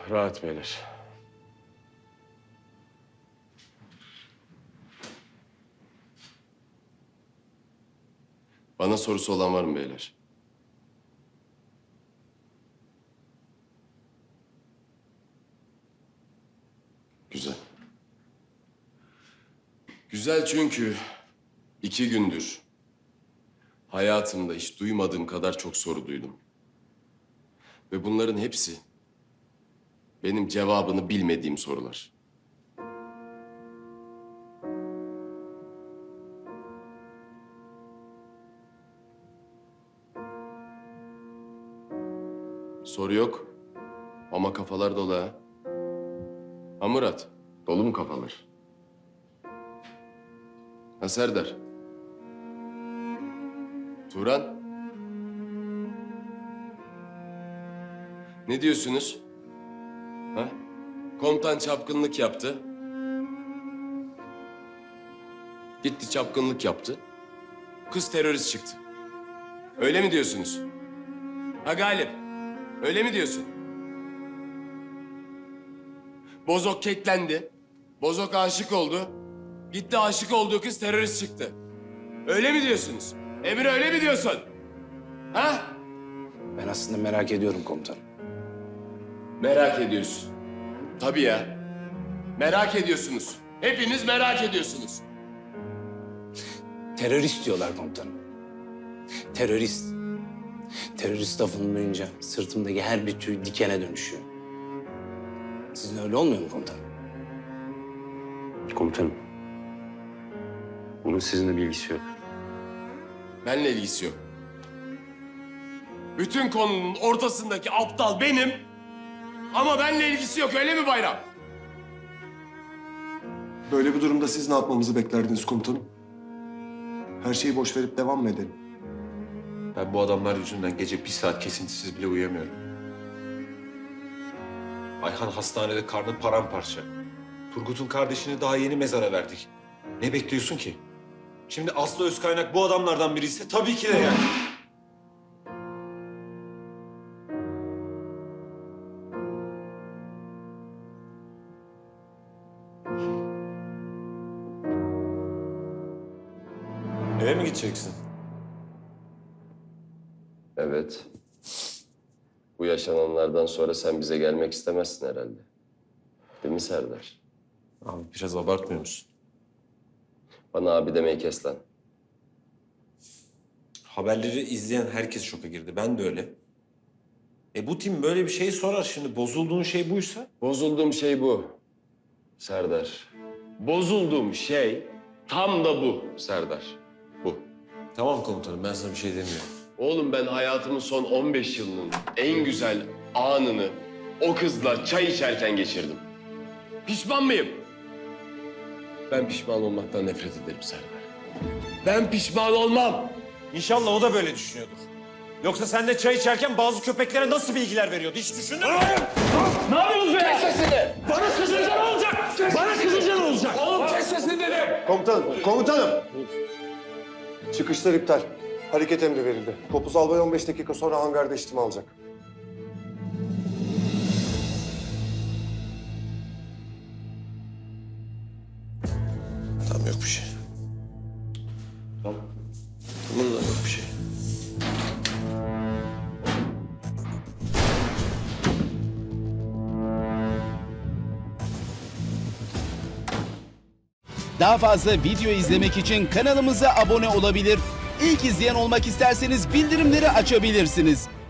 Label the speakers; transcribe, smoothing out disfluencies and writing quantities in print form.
Speaker 1: Rahat beyler. Bana sorusu olan var mı beyler? Güzel. Güzel çünkü 2 gündür hayatımda hiç duymadığım kadar çok soru duydum. Ve bunların hepsi benim cevabını bilmediğim sorular. Soru yok ama kafalar dolu ha. Ha Murat, dolu mu kafalar? Ha Serdar? Turan? Ne diyorsunuz? Ha? Komutan çapkınlık yaptı. Gitti çapkınlık yaptı. Kız terörist çıktı. Öyle mi diyorsunuz? Ha Galip? Öyle mi diyorsun? Bozok keklendi. Bozok aşık oldu. Gitti aşık olduğu kız terörist çıktı. Öyle mi diyorsunuz? Emir öyle mi diyorsun? Ha?
Speaker 2: Ben aslında merak ediyorum komutanım.
Speaker 1: Merak ediyorsun. Tabii ya. Merak ediyorsunuz. Hepiniz merak ediyorsunuz.
Speaker 2: Terörist diyorlar komutanım. Terörist. Terörist lafını duyunca sırtımdaki her bir tüy dikene dönüşüyor. Sizin öyle olmuyor mu komutanım?
Speaker 3: Komutanım. Bunun sizinle bir ilgisi yok.
Speaker 1: Benimle ilgisi yok. Bütün konunun ortasındaki aptal benim. Ama benimle ilgisi yok, öyle mi Bayram?
Speaker 4: Böyle bir durumda siz ne yapmamızı beklerdiniz komutanım? Her şeyi boş verip devam mı edelim?
Speaker 5: Ben bu adamlar yüzünden gece bir saat kesintisiz bile uyuyamıyorum. Ayhan hastanede, karnı paramparça. Turgut'un kardeşini daha yeni mezara verdik. Ne bekliyorsun ki? Şimdi Aslı Özkaynak bu adamlardan biri ise tabii ki de yani. Eve mi gideceksin?
Speaker 1: Evet. Bu yaşananlardan sonra sen bize gelmek istemezsin herhalde. Değil mi Serdar?
Speaker 5: Abi biraz abartmıyor musun?
Speaker 1: Bana abi demeyi kes lan.
Speaker 5: Haberleri izleyen herkes şoka girdi. Ben de öyle. Bu tim böyle bir şey sorar şimdi. Bozulduğun şey buysa?
Speaker 1: Bozulduğum şey bu. Serdar. Bozulduğum şey tam da bu Serdar. Bu.
Speaker 5: Tamam komutanım, ben sana bir şey demiyorum.
Speaker 1: Oğlum ben hayatımın son 15 yılının en güzel anını o kızla çay içerken geçirdim. Pişman mıyım? Ben pişman olmaktan nefret ederim Serdar. Ben pişman olmam.
Speaker 5: İnşallah o da böyle düşünüyordur. Yoksa sen de çay içerken bazı köpeklere nasıl bilgiler veriyordu? Hiç düşündün mü?
Speaker 6: Ne yapıyorsunuz be?
Speaker 1: Kes sesini!
Speaker 6: Bana kızınca ne olacak? Bana kızınca ne olacak?
Speaker 1: Oğlum kes sesini dedim!
Speaker 4: Komutanım! Çıkışlar iptal. Hareket emri verildi. Topuz albay 15 dakika sonra hangarda işlem alacak.
Speaker 5: Tamam, yok bir şey. Tamam. Tamam lan, yok bir şey.
Speaker 7: Daha fazla video izlemek için kanalımıza abone olabilir. İlk izleyen olmak isterseniz bildirimleri açabilirsiniz.